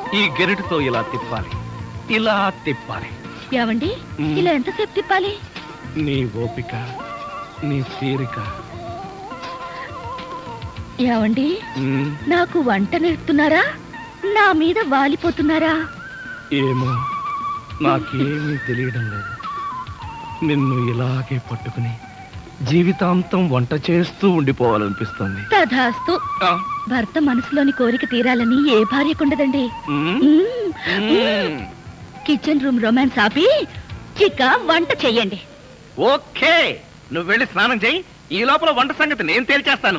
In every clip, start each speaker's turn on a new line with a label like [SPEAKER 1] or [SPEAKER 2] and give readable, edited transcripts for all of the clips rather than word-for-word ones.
[SPEAKER 1] ఈ గెరిటితో ఇలా తిప్పాలి, ఇలా తిప్పాలి.
[SPEAKER 2] ఏమండి ఇలా ఎంతసేపు తిప్పాలి?
[SPEAKER 1] నీ ఓపిక, నీ తీరిక.
[SPEAKER 2] ఏమండి నాకు వంట నేర్పుతున్నారా, నా మీద వాలిపోతున్నారా?
[SPEAKER 1] ఏమో, నాకేమీ తెలియడం లేదు. నిన్ను ఇలాగే పట్టుకుని జీవితాంతం వంట చేస్తూ ఉండిపోవాలనిపిస్తుంది.
[SPEAKER 2] తధాస్తు. భర్త మనసులోని కోరిక తీరాలని ఏ భార్యకుండదండి. కిచెన్ రూమ్ రొమాన్స్ ఆపి చిక్క వంట చెయ్యండి.
[SPEAKER 1] ఓకే, నువ్వు వెళ్ళి స్నానం చెయ్యి. ఈ లోపల వంట సంగతి నేను తేల్చేస్తాను.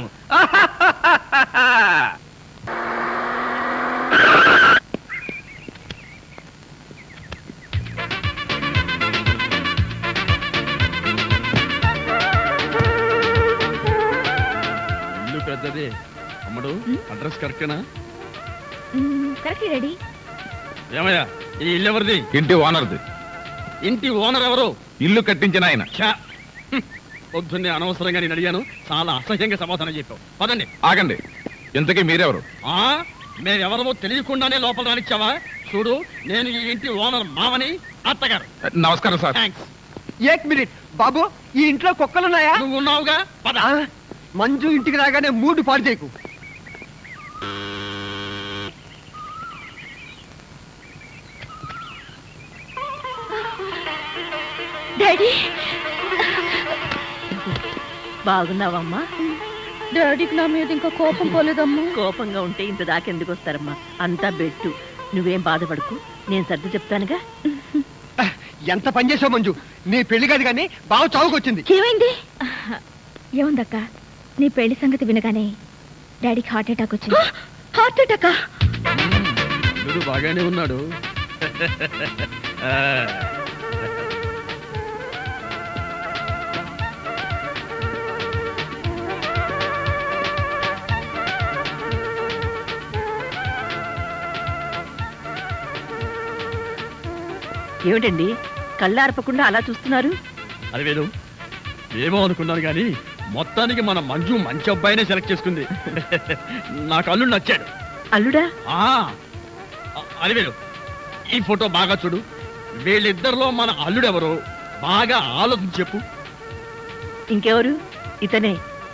[SPEAKER 3] ఇల్లు పెద్దది. అమ్మడు, అడ్రస్ కరెక్టేనా?
[SPEAKER 2] Correct ready.
[SPEAKER 3] ఏమయ్యా, ఈ ఇల్లు ఎవరిది?
[SPEAKER 4] ఇంటి ఓనర్ది.
[SPEAKER 3] ఇంటి ఓనర్ ఎవరు?
[SPEAKER 4] ఇల్లు కట్టించిన ఆయన.
[SPEAKER 3] పొద్దున్నే అనవసరంగా నేను అడిగాను, చాలా అసహ్యంగా సమాధానం చెప్పావు. పదండి.
[SPEAKER 4] ఆగండి, ఇంతకీ మీరెవరు?
[SPEAKER 3] మేమెవరమో తెలియకుండానే లోపల రానిచ్చావా? చూడు, నేను ఈ ఇంటి ఓనర్ మామని, అత్తగారు.
[SPEAKER 4] నమస్కారం సార్.
[SPEAKER 3] థ్యాంక్స్.
[SPEAKER 5] ఏక్ మినిట్ బాబు, ఈ ఇంట్లో కుక్కలున్నాయా?
[SPEAKER 3] నువ్వు ఉన్నావుగా, పద.
[SPEAKER 5] మంజు ఇంటికి రాగానే మూడు పాడు చేయకు.
[SPEAKER 2] డాడీ
[SPEAKER 6] బాగున్నావమ్మా?
[SPEAKER 2] డాడీకి నా మీద ఇంకా కోపం పోలేదమ్మా.
[SPEAKER 6] కోపంగా ఉంటే ఇంత దాకెందుకు వస్తారమ్మా? అంతా బెట్టు. నువ్వేం బాధపడకు, నేను సర్ది చెప్తానుగా.
[SPEAKER 5] ఎంత పని చేసావు మంజు, నీ పెళ్లి కాదు కానీ బావ చావుకొచ్చింది.
[SPEAKER 2] ఏమైంది? ఏముందక్క, నీ పెళ్లి సంగతి వినగానే డాడీకి హార్ట్ అటాక్ వచ్చింది. హార్ట్ అటాకా?
[SPEAKER 3] బాగానే ఉన్నాడు.
[SPEAKER 6] ఏమిటండి కళ్ళార్పకుండా అలా చూస్తున్నారు?
[SPEAKER 3] అది వేరు, ఏమో అనుకున్నాను కానీ మొత్తానికి మన మంజు మంచి అబ్బాయినే సెలెక్ట్ చేసుకుంది. నాకు అల్లుడు నచ్చాడు.
[SPEAKER 6] అల్లుడా?
[SPEAKER 3] అది వేరు, ఈ ఫోటో బాగా చూడు. వీళ్ళిద్దరిలో మన అల్లుడెవరో బాగా ఆలోచించి చెప్పు.
[SPEAKER 6] ఇంకెవరు? ఇతనే.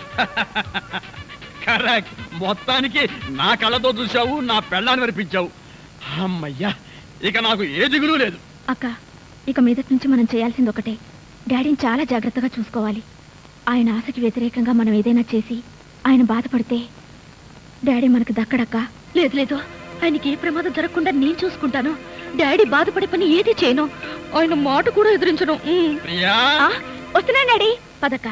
[SPEAKER 3] కరెక్ట్. మొత్తానికి నా కళ్ళతో చూశావు, నా పెళ్ళాన్ని వినిపించావు. అమ్మయ్యా, ఇక నాకు ఏ దిగులు లేదు.
[SPEAKER 2] అక్క, ఇక మీదటి నుంచి మనం చేయాల్సింది ఒకటే, డాడీని చాలా జాగ్రత్తగా చూసుకోవాలి. ఆయన ఆశకి వ్యతిరేకంగా మనం ఏదైనా చేసి ఆయన బాధపడితే డాడీ మనకు దక్కడక్క. లేదు లేదు, ఆయనకి ఏ ప్రమాదం జరగకుండా నేను చూసుకుంటాను. డాడీ బాధపడే పని ఏది చేయను, ఆయన మాట కూడా ఎదిరించను. వస్తున్నా డాడీ, పదక్క.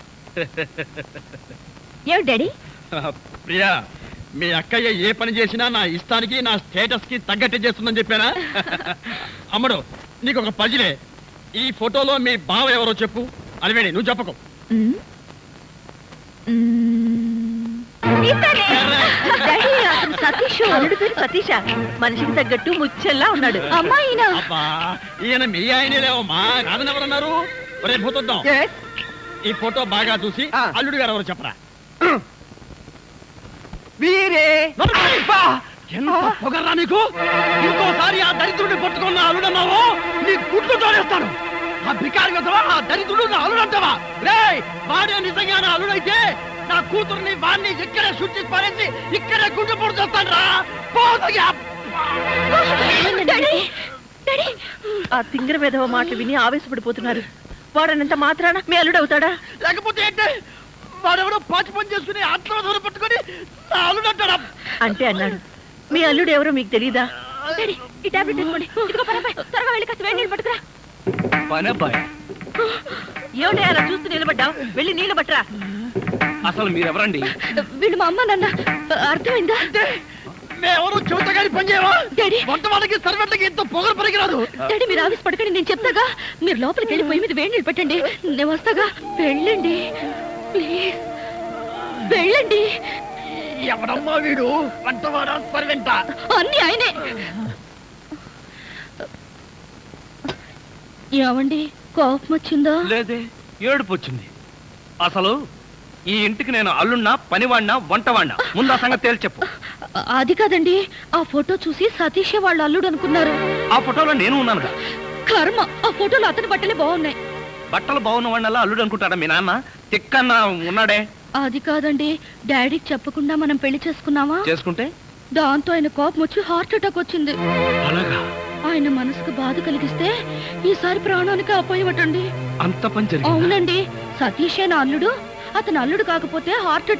[SPEAKER 2] ఏమిటి డాడీ?
[SPEAKER 3] ప్రియా, మీ అక్కయ్య ఏ పని చేసినా నా ఇష్టానికి, నా స్టేటస్ కి తగ్గట్టే చేస్తుందని చెప్పానా? అమ్మడు, నీకు ఒక పజిలే. ఈ ఫోటోలో మీ బావ ఎవరో చెప్పు. అలివేణి, నువ్వు చెప్పకు.
[SPEAKER 6] సతీష్. అల్లుడు పేరు సతీష. మనిషికి తగ్గట్టు ముచ్చెల్లా ఉన్నాడు.
[SPEAKER 2] అమ్మాయినా?
[SPEAKER 3] అబ్బా, ఈయన మీ ఆయనే లేవమ్మా, కాదని ఎవరన్నారు? రేపు పోతుందాం. ఈ ఫోటో బాగా చూసి అల్లుడు గారు ఎవరో చెప్పరా.
[SPEAKER 5] వీరే
[SPEAKER 3] ఎంత పొగరా నీకు! ఇంకోసారి ఆ దరిద్రుడిని పట్టుకున్న అల్లుడన్నావు, నీ గుడ్లు తోడేస్తాను. ఆ భికారి కదవా, ఆ దరిద్రుడు నా అల్లుడంటావా? రేయ్, వాడే నిజంగా నా అల్లుడైతే నా కూతుర్ని వాడిని ఇక్కడే శుద్ధి పారేసి ఇక్కడే గుడ్డు పొడి చేస్తాను రా.
[SPEAKER 6] ఆ తింగర విధవ మాటలు విని ఆవేశపడిపోతున్నారు. వాడనంత మాత్రాన మీ అల్లుడు అవుతాడా?
[SPEAKER 3] లేకపోతే ఏంటే, వాడెవడో పాచి పని చేసుకుని ఆత్మహత్య పట్టుకుని నా అల్లుడంటాడా?
[SPEAKER 6] అంటే అన్నాడు. మీ అల్లుడు ఎవరో మీకు తెలీదా?
[SPEAKER 2] ఈ టాబ్లెట్ తీసుకోండి. ఇదిగో పనబ్బాయి, త్వరగా వెళ్ళి కాస్త వేడి నీళ్ళు పట్టుకురా.
[SPEAKER 1] పనబ్బాయి,
[SPEAKER 6] ఏమిటి అలా చూస్తూ నిలబడ్డావు? వెళ్ళి నీళ్ళు పట్టరా.
[SPEAKER 1] అసలు మీరెవరండి?
[SPEAKER 2] వీళ్ళు మా అమ్మ నాన్న. అర్థమైందా?
[SPEAKER 3] మేమెవరు చెబుతాగాని పని చేయవా?
[SPEAKER 2] డాడీ,
[SPEAKER 3] వంట వాళ్ళకి సర్వెంట్లకి ఎంతో పొగరు పనికిరాదు.
[SPEAKER 2] డాడీ మీరు ఆవేశ పడకండి, నేను చెప్తాగా. మీరు లోపలికి వెళ్ళి పొయ్యి మీద వేడి నీళ్ళు పెట్టండి, నేను వస్తాగా. వెళ్ళండి ప్లీజ్, వెళ్ళండి.
[SPEAKER 3] ఎవడమ్మా వీడు? వంటవాడా సర్వెంటా?
[SPEAKER 2] అన్ని ఆయనే. ఏమండి, కోపం వచ్చిందా?
[SPEAKER 1] లేదే, ఏడుపు వచ్చింది. అసలు ఈ ఇంటికి నేను అల్లున్నా, పనివాడినా, వంటవాడినా? ముందు ఆ సంగతి తేల్చి చెప్పు.
[SPEAKER 2] అది కాదండి, ఆ ఫోటో చూసి సతీషే వాళ్ళ అల్లుడు అనుకున్నారు.
[SPEAKER 1] ఆ ఫోటోలో నేను ఉన్నానుగా.
[SPEAKER 2] కర్మ, ఆ ఫోటోలో అతని బట్టలే బాగున్నాయి.
[SPEAKER 1] బట్టలు బాగున్న వాడినల్లా అల్లుడు అనుకుంటాడా మీ నాన్న? తిక్కన్న ఉన్నాడే.
[SPEAKER 2] అది కాదండి, డాడీకి చెప్పకుండా మనం పెళ్లి చేసుకున్నావా?
[SPEAKER 1] చేసుకుంటే
[SPEAKER 2] దాంతో ఆయన కోపం వచ్చి హార్ట్ అటాక్ వచ్చింది.
[SPEAKER 1] అలాగా?
[SPEAKER 2] ఆయన మనసుకు బాధ కలిగిస్తే ఈసారి ప్రాణానికి అపాయమటండి.
[SPEAKER 1] అంత పని జరిగిందా?
[SPEAKER 2] అవునండి, సతీషే నా అల్లుడు. అతను అల్లుడు కాకపోతే హార్ట్